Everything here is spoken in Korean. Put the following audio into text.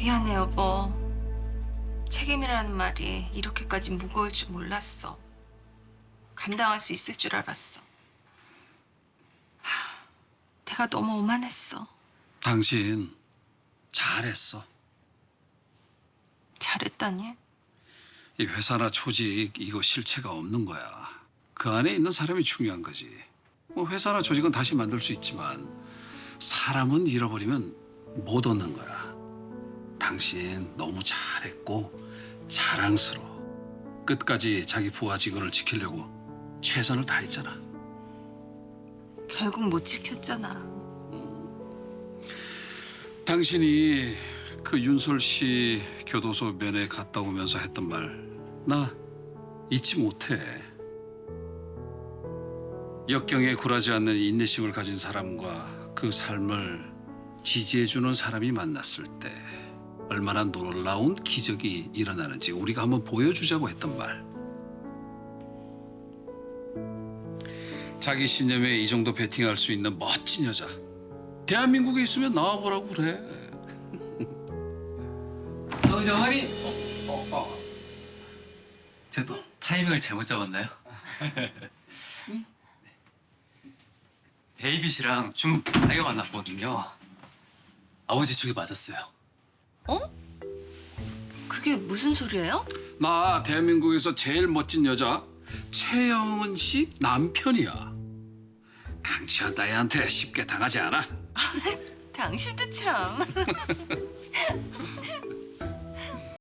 미안해, 여보. 책임이라는 말이 이렇게까지 무거울 줄 몰랐어. 감당할 수 있을 줄 알았어. 내가 너무 오만했어. 당신 잘했어. 잘했다니? 이 회사나 조직 이거 실체가 없는 거야. 그 안에 있는 사람이 중요한 거지. 뭐 회사나 조직은 다시 만들 수 있지만 사람은 잃어버리면 못 얻는 거야. 당신 너무 잘했고 자랑스러워. 끝까지 자기 부하 직원을 지키려고 최선을 다했잖아. 결국 못 지켰잖아. 당신이 그 윤솔 씨 교도소 면회 갔다 오면서 했던 말 나 잊지 못해. 역경에 굴하지 않는 인내심을 가진 사람과 그 삶을 지지해주는 사람이 만났을 때 얼마나 놀라운 기적이 일어나는지 우리가 한번 보여주자고 했던 말. 자기 신념에 이 정도 베팅할 수 있는 멋진 여자. 대한민국에 있으면 나와보라고 그래. 어머니. 제가 또 타이밍을 잘못 잡았나요? 베이비 씨랑 중국 다이어 만났거든요. 아버지 쪽에 맞았어요. 어? 그게 무슨 소리예요? 나 대한민국에서 제일 멋진 여자 최영은 씨 남편이야. 강치한 따위한테 쉽게 당하지 않아. 당신도 참.